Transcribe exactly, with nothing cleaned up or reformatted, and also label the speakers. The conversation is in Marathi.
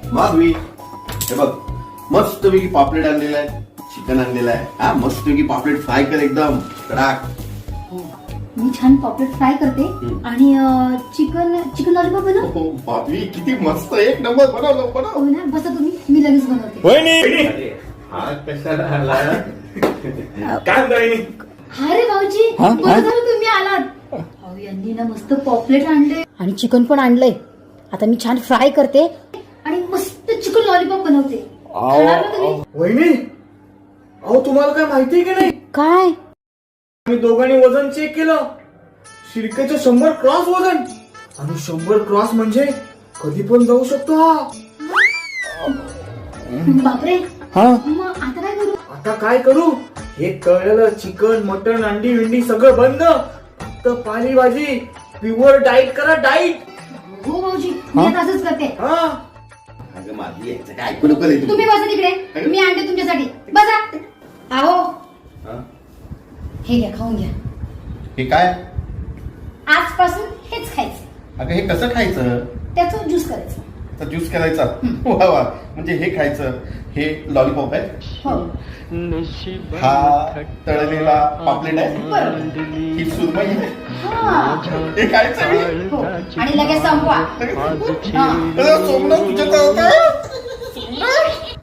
Speaker 1: माधवी हे बघ मस्तपैकी पापलेट आणलेला आहे, चिकन आणलेलं आहे. हा मस्तपैकी पापलेट फ्राय कर एकदम कडाक.
Speaker 2: मी छान पॉपलेट फ्राय करते आणि चिकन चिकन लॉलीपॉप बनव.
Speaker 1: हो बापरे किती मस्त एक नंबर बनवलं बनव.
Speaker 2: हो ना, बसा तुम्ही, मी लगेच बनवते.
Speaker 1: अरे, हा कशाला आला काय बहिणी?
Speaker 2: हा रे भाऊजी, बरं झालं तुम्ही आलात. अहो, यांनी ना मस्त पॉपलेट आणले आणि चिकन पण आणलंय. आता मी छान फ्राय करते आणि मस्त चिकन लॉलीपॉप बनवते. खाणार ना तुम्ही?
Speaker 3: वहिनी, अहो तुम्हाला काय माहितीये की नाही,
Speaker 2: काय?
Speaker 3: आम्ही दोघांनी वजन चेक केलं. शिरकेचं शंभर क्रॉस वजन आणि शंभर क्रॉस म्हणजे कधी पण जाऊ शकतो हा.
Speaker 2: बापरे,
Speaker 3: हा
Speaker 2: मग आता काय करू?
Speaker 3: आता काय करू, हे कळलेलं चिकन मटन अंडी विंडी सगळं बंद, फक्त पालेभाजी, प्युअर डाईट करा, डाईट.
Speaker 2: हो भाऊजी, मी आता असंच करते.
Speaker 3: हा
Speaker 1: अगं माझी याचं काय ऐकू नको रे तू.
Speaker 2: तुम्ही बसा तिकडे, मी आणते तुमच्यासाठी. बसा. आहो,
Speaker 1: हा?
Speaker 2: हे घ्या, खाऊन घ्या.
Speaker 1: हे काय?
Speaker 2: आजपासून हेच खायचं.
Speaker 1: अगं हे कसं खायचं?
Speaker 2: त्याचं ज्यूस करायचं.
Speaker 1: तर ज्यूस करायचा. वा वा, म्हणजे हे खायचं. हे लॉलीपॉप आहे,
Speaker 2: हो,
Speaker 1: हा तळलेला पापलेट आहे,
Speaker 2: बरोबर.
Speaker 1: ही सुरमई आहे,
Speaker 2: हा,
Speaker 1: हे खायचं मी.
Speaker 2: हो. आणि लगेच संपवा. हा.
Speaker 1: अरे, सोमनाथ तुझ्या